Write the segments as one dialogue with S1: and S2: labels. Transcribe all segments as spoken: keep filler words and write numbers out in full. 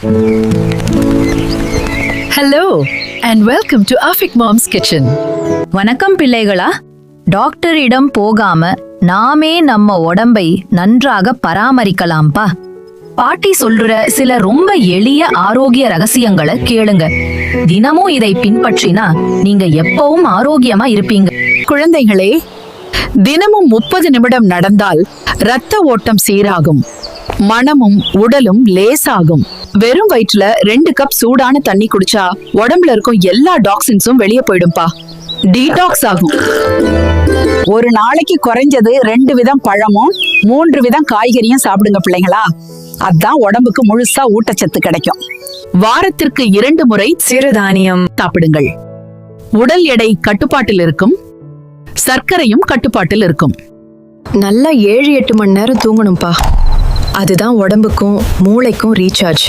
S1: Hello and welcome to Afik Mom's Kitchen.
S2: வணக்கம் பிள்ளைகளா. டாக்டரிடம் போகாம நாமே நம்ம உடம்பை நன்றாக பராமரிக்கலாம்பா. பாட்டி சொல்ற சில ரொம்ப எளிய ஆரோக்கிய ரகசியங்களை கேளுங்க. தினமும் இதை பின்பற்றினா நீங்க எப்பவும் ஆரோக்கியமா இருப்பீங்க.
S1: குழந்தைகளே, தினமும் முப்பது நிமிடம் நடந்தால் இரத்த ஓட்டம் சீராகும், மனமும் உடலும் லேசாகும். வெறும் வயிற்றுல ரெண்டு கப் சூடான தண்ணி குடிச்சா உடம்புல இருக்கும் எல்லா டாக்ஸின்ஸும் வெளியே போயிடும்பா. டீடாக்ஸ் ஆகும்.
S3: ஒரு நாளைக்கு குறைஞ்சது ரெண்டு விதம் பழமும் மூன்று விதம் காய்கறியும் சாப்பிடுங்க பிள்ளைங்களா. அதான் உடம்புக்கு முழுசா ஊட்டச்சத்து கிடைக்கும்.
S1: வாரத்திற்கு இரண்டு முறை
S2: சிறுதானியம்
S1: சாப்பிடுங்கள். உடல் எடை கட்டுப்பாட்டில் இருக்கும், சர்க்கரையும் கட்டுப்பாட்டில் இருக்கும்.
S4: நல்லா ஏழு எட்டு மணி நேரம் தூங்கணும்பா. அதுதான் உடம்புக்கும் மூளைக்கும் ரீசார்ஜ்.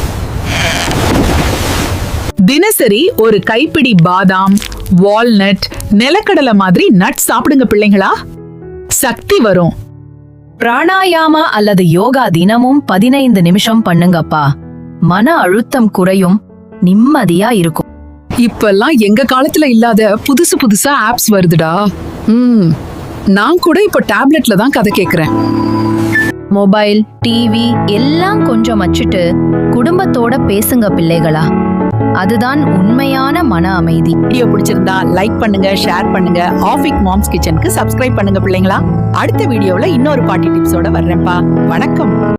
S1: தினசரி ஒரு கைப்பிடி பாதாம், வால்நட், நிலக்கடலை மாதிரி நட் சாப்பிடுங்க பிள்ளைங்களா. சக்தி வரும்.
S2: பிராணாயாமா அல்லது யோகா தினமும் பதினைந்து நிமிஷம் பண்ணுங்கப்பா. மன அழுத்தம் குறையும், நிம்மதியா இருக்கும்.
S1: இப்பெல்லாம் எங்க காலத்துல இல்லாத புதுசு புதுசா ஆப்ஸ் வருதுடா. ம் நான் கூட இப்ப டேப்லெட்ல தான் கதை கேக்குறேன்.
S2: மொபைல், டிவி எல்லாம் கொஞ்சம் வச்சுட்டு குடும்பத்தோட பேசுங்க பிள்ளைகளா. அதுதான் உண்மையான மன அமைதி.
S3: வீடியோ பிடிச்சிருந்தா லைக் பண்ணுங்க, ஷேர் பண்ணுங்க. ஆஃபிக் மாம்ஸ் கிச்சனுக்கு சப்ஸ்கிரைப் பண்ணுங்க பிள்ளைங்களா. அடுத்த வீடியோல இன்னொரு பாட்டி டிப்ஸோட வர்றேன்ப்பா. வணக்கம்.